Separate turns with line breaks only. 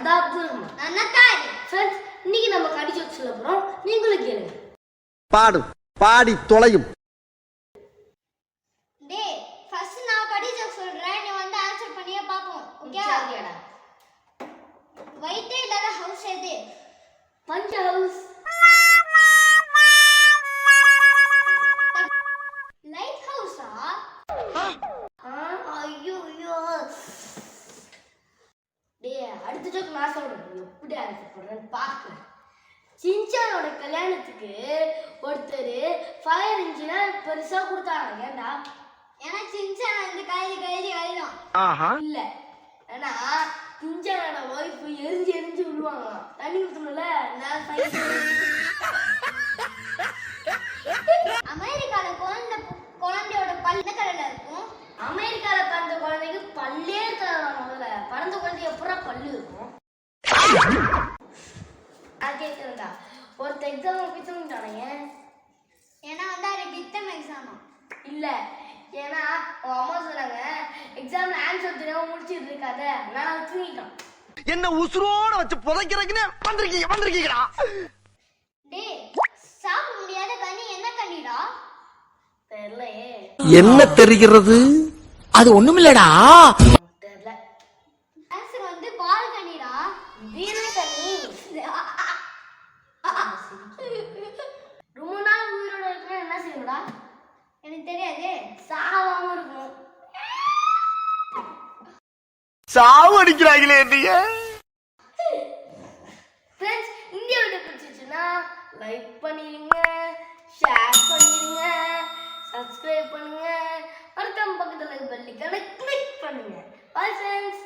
அதான் அப்துல் ரஹ்மான். ஃப்ரெண்ட்ஸ், இன்னைக்கு நம்ம கடி ஜோக் சொல்ல போறோம். நீங்களும் கேளுங்க.
பாடு பாடி தொலையும்.
டேய், ஃபர்ஸ்ட் நான் கடி ஜோக் சொல்றேன், நீ வந்து ஆன்சர் பண்ணியே பாப்போம். ஓகேடா? வைட்டே இல்லாத ஹவுஸ் எது?
பஞ்ச ஹவுஸ்.
லைட் ஹவுஸா?
ஐயோ ஐயோ. டேய், அடுத்த ஜோக் நான் சொல்றேன். எப்படி ஆன்சர் பண்றேன்னு பாக்குறேன். சின்சானோட கல்யாணத்துக்கு ஒருத்தர் ஃபயர் இன்ஜினியர் பெருசா கொடுத்தாங்க. ஏண்டா?
ஏன்னா சின்சான் வந்து கைதி அழிடும்.
இல்ல, ஏன்னா சின்சானோட ஒய்ஃப் எரிஞ்சு விழுவாங்களாம். தண்ணி ஊத்தணும்ல, நான்
அமெரிக்கால குழந்தையோட பல் என்ன கலர்ல இருக்கும்?
அமெரிக்கால பிறந்த குழந்தைக்கு பல்லே இருக்காதான். முதல்ல பிறந்த குழந்தைக்கு எப்பறம் பல்லு இருக்கும்? நான் கேட்குறேன்டா, ஒருத்த எக்ஸாம் போய் தூங்கிட்டானுங்க.
ஏன்னா வந்து அது டித்தம் எக்ஸாமா?
இல்ல, ஏன்னா அவன் அம்மா சொன்னாங்க எக்ஸாம்ல ஆன்சர் தெரியாம முடிச்சிட்டு இருக்காத, நான் தூங்கிட்டான்.
என்ன உசுரோட வச்சு புதைக்கிறதுன்னு வந்திருக்கீங்களா?
டேய், சாப்பிட முடியாத கனி என்ன கனிடா?
தெரியலையே.
என்ன தெரிகிறது? அது ஒண்ணுமில்லடா.
தெரியல.
ஆன்சர் வந்து பால் கனிடா.
வீர கனி. ரொம்ப நாள் உயிரோட இருக்கா என்ன செய்யணும்டா?
எனக்கு தெரியாது.
சாவாம இருக்கணும்.
சாவு அடிக்கிறாங்களே நீங்க.
ஃப்ரெண்ட்ஸ், இந்த வீடியோ பிடிச்சிருச்சுன்னா லைக் பண்ணிடுங்க, ஷேர் பண்ணிடுங்க, சப்ஸ்கிரைப் பண்ணுங்க, மறக்காம பக்கத்துல பெல் ஐகானை கிளிக் பண்ணுங்க. Bye friends.